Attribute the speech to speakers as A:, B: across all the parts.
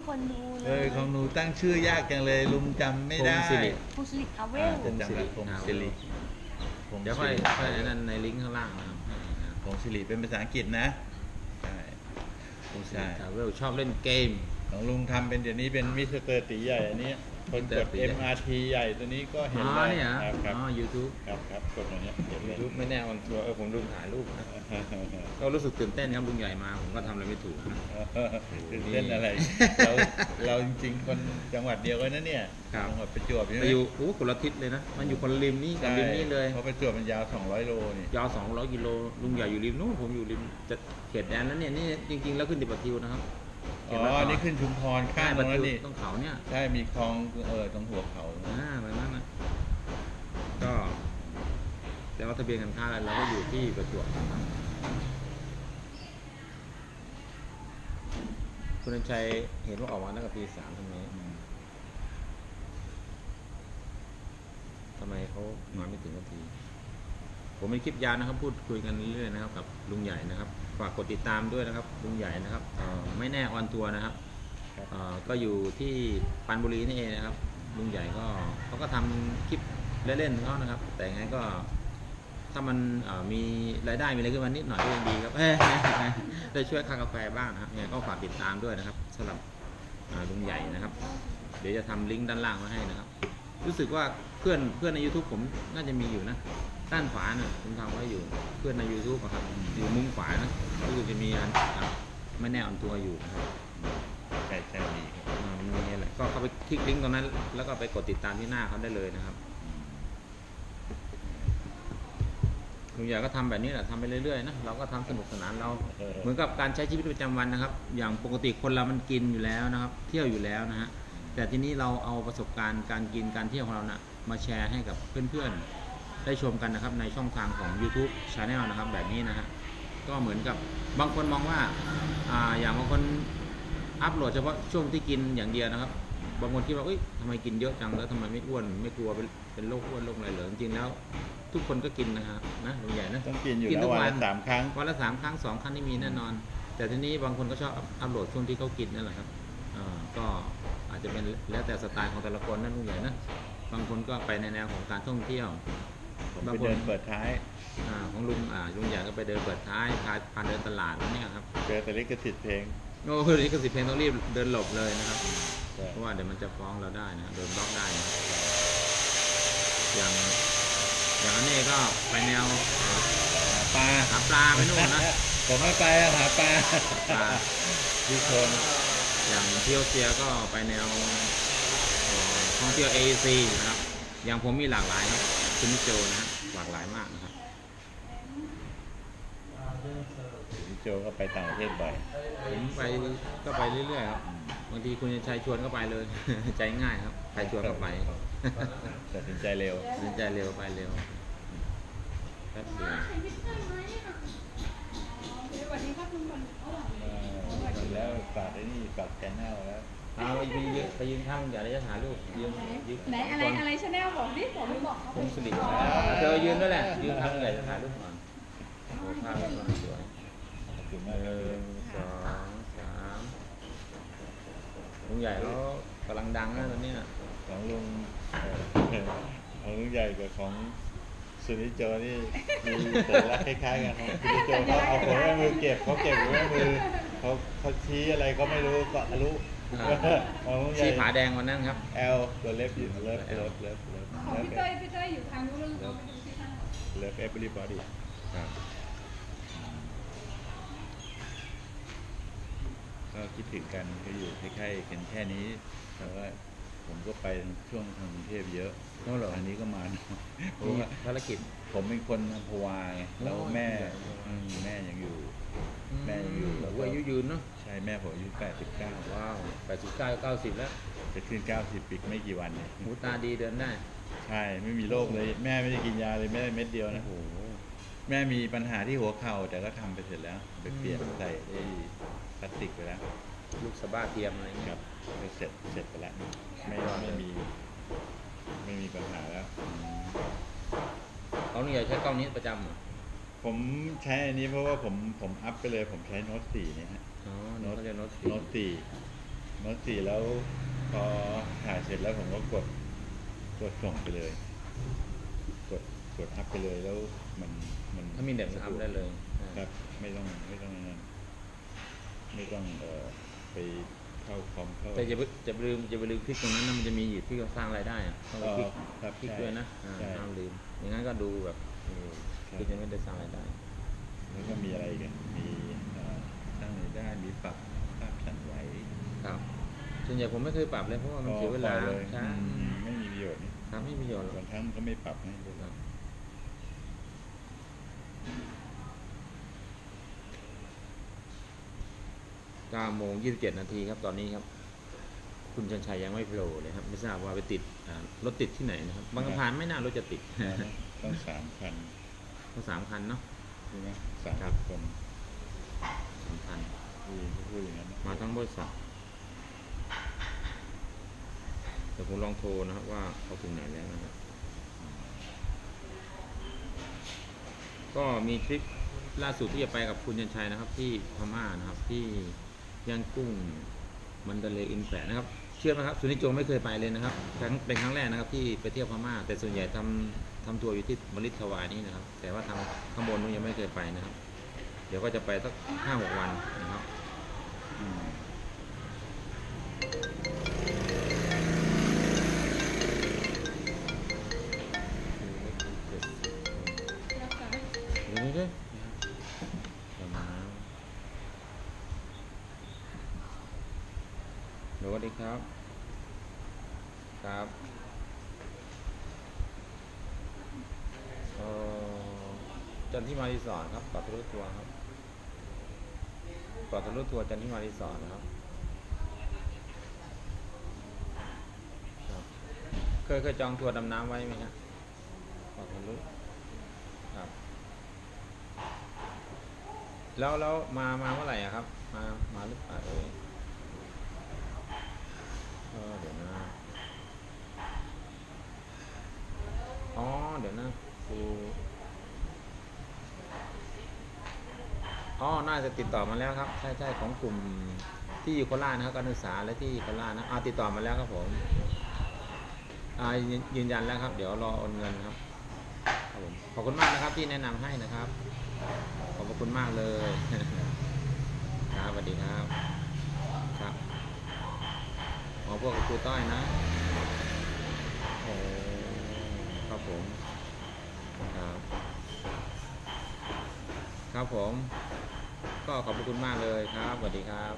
A: คนดูเล
B: ของหนูตั้งชื่อยากจังเลยลุงจำไม่ได้
C: พงศิริ
A: ฟูซิลิทราเวล
B: จะจำแบบพงศิริ
C: เดี๋ยวค่อยนั่นในลิงก์ข้างล่างนะครับ
B: พงศิริเป็นภาษาอังกฤษนะใช่
C: พงศิริทราเวลชอบเล่นเกม
B: ของลุงทำเป็นเดี๋ยวนี้เป็นมิสเตอร์ตีใหญ่อันนี้คนกด MRT ใหญ่ตัวนี้ก็เห็น
C: อ๋อ
B: ได้
C: เนี่ย
B: ครับ
C: อ๋อ YouTube
B: ครับกดตัวนี้เห็นเลย
C: YouTube ไม่แน่วันตัวผมลืมถ่ายรูปนะก็รู้สึกตื่นเต้นครับลุงใหญ่มาผมก็ทำอะไรไม่ถูกนะ
B: ตื่นเต้นอะไร เราจริงๆคนจังหวัดเดียวกันนะเนี่ย
C: ครับ
B: จังหวัดประจวบใช่ไหม
C: ไปอยู่คนละทิศเลยนะมันอยู่คนละริมนี่กับริมนี่เลย
B: เพราะประจวบมันยาว200 โลนี่
C: ยาว200 กิโลลุงใหญ่อยู่ริมนู้นผมอยู่ริมจะเขตแดนแล้วเนี่ยนี่จริงๆแล้วขึ้นติดปะทิวนะครับ
B: อ๋อนี่ขึ้นชุมพรข้ามตรงนั้นนี่
C: ต้องเขาเนี่ย
B: ใช่มีคลองตรงหัวเขา
C: แบบนั้นนะก็แต่ว่าทะเบียนการค้าอะไรเราก็อยู่ที่ประจวบนะครับคุณชัยเห็นว่าออกมาตั้งแต่ตี 3ทำไมเขามาไม่ถึงนาทีผมมีคลิปยาวนะครับพูดคุยกันเรื่อยๆนะครับกับลุงใหญ่นะครับฝากกดติดตามด้วยนะครับลุงใหญ่นะครับไม่แน่ออนทัวร์นะครับก็อยู่ที่ปรานบุรีนี่เองนะครับลุงใหญ่ก็เขาก็ทำคลิปเล่นๆของเขานะครับแต่ไงก็ถ้ามันมีรายได้มีอะไรขึ้นมานิดหน่อยก็ยังดีครับได้ช่วยค่ากาแฟบ้างนะครับยังไงก็ฝากติดตามด้วยนะครับสำหรับลุงใหญ่นะครับเดี๋ยวจะทำลิงก์ด้านล่างไว้ให้นะครับรู้สึกว่าเพื่อนใน YouTube ผมน่าจะมีอยู่นะด้านขวาเนี่ยผมทำไว้อยู่เพื่อนใน YouTube ครับอยู่มุมขวานะรู้สึกจะมีไม่แน่ออนตัวอยู่นะครับ
B: ใช่มีครับ
C: มีอะไรก็เข้าไปคลิกลิงก์ตรงนั้นแล้วก็ไปกดติดตามที่หน้าเขาได้เลยนะครับลุงใหญ่ก็ทำแบบนี้แหละทำไปเรื่อยๆนะเราก็ทำสนุกสนานเราเหมือนกับการใช้ชีวิตประจำวันนะครับอย่างปกติคนเรามันกินอยู่แล้วนะครับเที่ยวอยู่แล้วนะฮะแต่ทีนี้เราเอาประสบการณ์การกินการเที่ยวของเรานะมาแชร์ให้กับเพื่อนๆได้ชมกันนะครับในช่องทางของ YouTube Channel นะครับแบบนี้นะฮะก็เหมือนกับบางคนมองว่าอย่างบางคนอัพโหลดเฉพาะช่วงที่กินอย่างเดียวนะครับบางคนคิดว่าทำไมกินเยอะจังแล้วทำไมไม่อ้วนไม่กลัวเป็นโรคอ้วนโรคอะไรเหรอจริงๆแล้วทุกคนก็กินนะครับนะลุงใหญ่นะ
B: ต้องกินอยู่แล้ววันละ3 ครั้ง
C: วันละ3 ครั้ง2 ครั้งนี่มีแน่นอนแต่ทีนี้บางคนก็ชอบอัพโหลดช่วงที่เขากินนั่นแหละครับก็อาจจะเป็นแล้วแต่สไตล์ของแต่ละคนนั่นลุงใหญ่นะบางคนก็ไปในแนวของการท่องเที่ยว
B: บางคนเดินเปิดท้าย
C: ของลุงใหญ่ก็ไปเดินเปิดท้ายพาเดินตลาดนี่ครับ
B: เจอแต่ลิขสิทธิ์เพลง
C: โอ้ลิขสิทธิ์เพลงต้องรีบเดินหลบเลยนะครับเพราะว่าเดี๋ยวมันจะฟ้องเราได้นะโดนบล็อกได้นะอย่างอันนี้ก็ไปแนวหาปลาไปนู่นนะ
B: ผมไม่ไปหาปลาที่ชน
C: อย่างเที่ยวเซียก็ไปแนวท่องเที่ยว AEC นะครับอย่างผมมีหลากหลายครับคุณนิโจนะหลากหลายมากนะครับ
B: นิโจก็ไปต่างประเทศบ่อย
C: ผมก็ไปเรื่อยๆครับบางทีคุณชัยชวนก็ไปเลยใจง่ายครับใครชวนก็ไป
B: ตัดสินใจเร็ว
C: ไปเร็วแป๊บเดียว
B: แล้วฝากนี่ฝากแชนแนลแล้ว
C: ไปยืนข้างอย่าได้จะถ่ายรูปยืน
A: ไหนอะไรชาแนลบอกดิผมบอกเขา
C: ผมสิริเธอยืนด้วยแหละยืนข้างใหญ่จะถ่ายรูปก่อนโอ้ภาพมันสวย1 2 3ลุงใหญ่แล้วกำลังดังนะตอนนี้
B: ของลุงใหญ่กับของสุนิโจนี่มีแต่ละคล้ายๆกันของสุนิโจเขาเอาหัวแม่มือเก็บหัวแม่มือเขาชี้อะไรก็ไม่รู้ก็ทะลุ
C: ชี้ผาแดงวันนั้นครับ
B: L ตัวเล็บอยู่เล็บ
A: ของพี่เต้ยอยู่ทางนู้นเราไปดูที่ข้าง
B: เล็บ everybody ก็คิดถึงกันก็อยู่ใกล้ๆกันแค่นี้แต่ว่าผมก็ไปช่วงทางกรุงเทพเยอะอันนี้ก็มาเพราะว่า
C: ภารกิจ
B: ผมเป็นคนอัมพวาไงแล้วแม่ยังอยู่
C: อายุยืนเนาะ
B: ใช่แม่ผมอายุ89
C: ว้าว89 90แล้ว
B: จะขึ้น90ปีไม่กี่วันเนี่ย
C: หูตาดีเดินได้
B: ใช่ไม่มีโรคเลยแม่ไม่ได้กินยาเลยไม่ได้เม็ดเดียวนะแม่มีปัญหาที่หัวเข่าแต่ก็ทำไปเสร็จแล้วไปเปลี่ยนใส่พลาสติกไปแล้ว
C: ลูกสะบ้าเทียมอะไรเงี้ย
B: เสร็จไปแล้วไม่มีปัญหาแล้ว
C: เขาเนี่ยใช้กล้องนี้ประจำ
B: ผมใช้อันนี้เพราะว่าผมอัพไปเลยผมใช้โน้ต4เนี่ยฮะ
C: โน้ต
B: 4 โน้ต4แล้วพอถ่ายเสร็จแล้วผมก็กดส่งไปเลย กดอัพไปเลยแล้วมัน
C: ถ้ามีเน็ตก็อัพได้เลย
B: ครับไม่ต้องไปเข้าคอมเข้า
C: แต่จะไปลืมคลิกตรงนั้นนะมันจะมีอยู่ที่เขาสร้างรายได้อะต้องคลิกด้วยนะห้ามลืมอย่างนั้นก็ดูแบบคลิกยังไม่ได้สร้างรายได้
B: แล้วก็มีอะไรกันมีสร้างรายได้มีปรับภาพสั่นไหว
C: ครับส่วนใหญ่ผมไม่เคยปรับเลยเพราะว่ามันเสียเวลาใช่
B: ไม่มีประโยชน์
C: ครับไม่มีประโยชน์
B: บางครั้งมันก็ไม่ปรับให้ด้วย
C: 9:27 นาทีครับตอนนี้ครับคุณชันชัยยังไม่โผล่เลยครับไม่ทราบว่าไปติดรถติดที่ไหนนะครับบางสะพานไม่น่ารถจะติด
B: ต้อง3 คัน
C: ต้อง3 คันเนาะ
B: ใช่ไหม3 คน
C: 3 คัน
B: พูดอย่างนั้น
C: มาทั้งบริษัทเดี๋ยวผมลองโทรนะครับว่าเขาถึงไหนแล้วนะครับก็มีทริปล่าสุดที่จะไปกับคุณชันชัยนะครับที่พม่านะครับที่ย่างกุ้งมันดาเลอินแปะนะครับเชื่อไหมครับสุนิจโจไม่เคยไปเลยนะครับเป็นครั้งแรกนะครับที่ไปเที่ยวพม่าแต่ส่วนใหญ่ทำทัวร์อยู่ที่มฤตถวายนี่นะครับแต่ว่าทางข้างบนนู้นยังไม่เคยไปนะครับเดี๋ยวก็จะไปสัก5-6 วันนะครับเดี๋ยวสวัสดีครับจันทิมารีสอร์ทครับเกาะทะลุทัวร์ครับเกาะทะลุทัวร์จันทิมารีสอร์ทนะครับเคยจองทัวร์ดำน้ำไว้ไหมครับเกาะทะลุครับแล้วมาเมื่อไหร่ครับมาหรือเปล่าเดี๋ยวนะเดี๋ยวนะน่าจะติดต่อมาแล้วครับใช่ของกลุ่มที่อยู่โคราชนะครับการศึกษาและที่โคราชนะติดต่อมาแล้วครับผมยืนยันแล้วครับเดี๋ยวรอโอนเงินครับผมขอบคุณมากนะครับที่แนะนำให้นะครับขอบคุณมากเลยครับสวัสดีครับครับพวกครูต้อยนะโอ้ครับผมครับผมก็ขอบคุณมากเลยครับสวัสดีครับ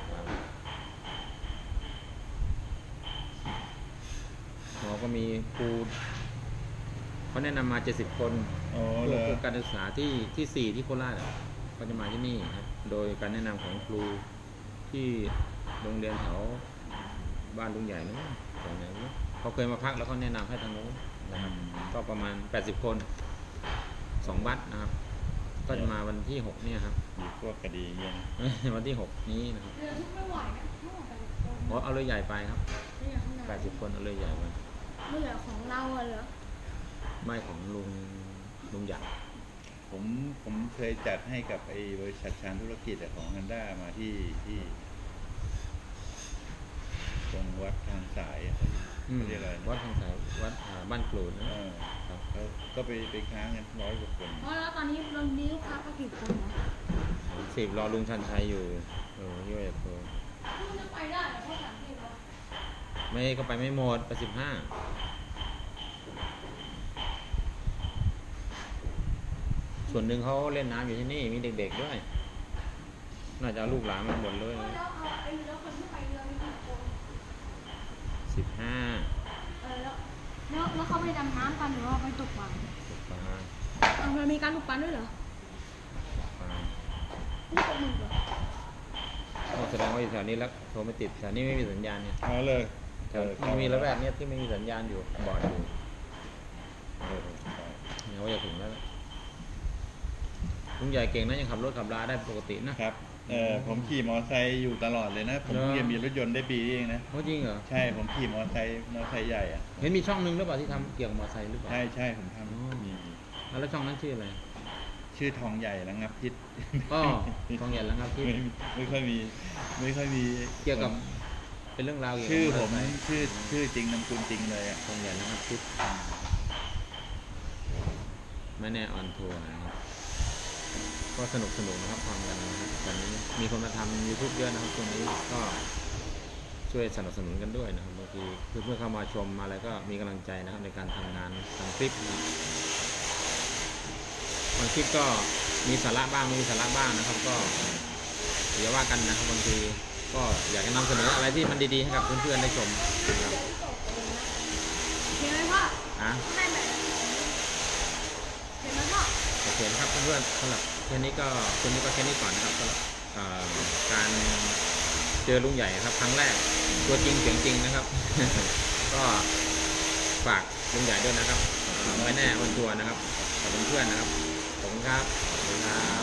C: หมอก็มีครูเขาแนะนำมา70 คนครูการศึกษาที่4ที่โคราชเขาจะมาที่นี่ครับโดยการแนะนำของครูที่โรงเรียนแถวบ้านลุงใหญ่นะแถวไหนเขาเคยมาพักแล้วเขาแนะนำให้ทางโน้นนะครับก็ประมาณ80 คน2 บัสนะครับก็จะมาวันที่6เนี่ยครับ
B: มีพวกคดีเงี้ย
C: วันที่6นี้นะครับ
A: เรือทุกไม่ไหวนะ
C: เอาเรือใหญ่ไปครับ80 คนเอาเรือใหญ่ไป
A: เรือของเราเหรอ
C: ไม่ของลุงใหญ่
B: ผมเคยจัดให้กับไอ้บริษัทชานธุรกิจของฮันด้ามาที่ตรงวัดทางสายเรียกอะไร
C: วัดทางสายวัดบ้านกรูด
B: นะครับก็ไปค้างกัน100 กว่าคน
A: แล้วตอนนี้เรามีลูกค้ากี่คน
C: 10รอลุงชันชัยอยู่ย่อยตัว
A: ลุงจะไปได้เหรอเขา30แล้ว
C: ไม่ก็ไปไม่หมดไป15ส่วนหนึ่งเขาเล่นน้ำอยู่ที่นี่มีเด็กๆด้วยน่าจะเอาลูกหลานมาหมดเลย15
A: แล้วเขาไปดำน้ำกันหรือว่าไปตกปลามันมีการตกปลาด้วยเหรอไม่ตกหมึกเหรอ
C: แสดงว่าอยู่แถวนี้แล้วโทรไม่ติดแถวนี้ไม่มีสัญญาณเนี่ย
B: เลย
C: แถวมีระแวกนี้ที่ไม่มีสัญญาณอยู่บอดอยู่เขาจะถึงแล้วลุงใหญ่เก่งนะยังขับรถขับราได้ปกตินะครับ
B: ผมขี่มอเตอร์ไซค์อยู่ตลอดเลยนะผมเรียนมีรถยนต์ได้ปีเองนะ
C: จริงเหรอ
B: ใช่ผมขี่มอเตอร์ไซค์ใหญ่อะ
C: เห็นมีช่องนึงหรือเปล่าที่ทำเกี่ยวกับมอเตอร์ไซค์หรือเปล่า
B: ใช่ผมทำมี
C: แล้วช่องนั้นชื่ออะไร
B: ชื่อทองใหญ่ระงับพิษ
C: ทองใหญ่ระงับพิษ
B: ไม่ค่อยมี
C: เกี่ยวกับเป็นเรื่องราวเกี่ยวกับ
B: ชื่อผม
C: มอเตอร์ไซค์
B: ชื่อจริงนามสกุลจริงเลยอ่ะ
C: ลุงใหญ่นะครับทิศไม่แน่ออนทัวร์นะครับก็สนุกนะครับฟังกันนะครับตอนนี้มีคนมาทำ YouTube เยอะนะครับตรงนี้ก็ช่วยสนับสนุนกันด้วยนะครับบางทีเพื่อนเข้ามาชมอะไรก็มีกำลังใจนะครับในการทำงานทำคลิปนะครับบางคลิปก็มีสาระบ้างไม่มีสาระบ้างนะครับก็อย่าว่ากันนะครับบางทีก็อยากจะนำเสนออะไรที่มันดีๆให้กับเพื่อนๆได้ชมนะครับ
A: เห็นไหมพ่อ
C: อ่ะ
A: ได้ไหมเห็นไหมพ่อ
C: โอเคนะครับเพื่อนๆสำหรับแค่นี้ก็แค่นี้ก่อนนะครับสำหรับการเจอลุงใหญ่ครับครั้งแรกตัวจริงเสียงจริงนะครับ ก็ฝากลุงใหญ่ด้วยนะครับไม่แน่ออนทัวร์นะครับกับเพื่อนๆนะครับขอบคุณครับ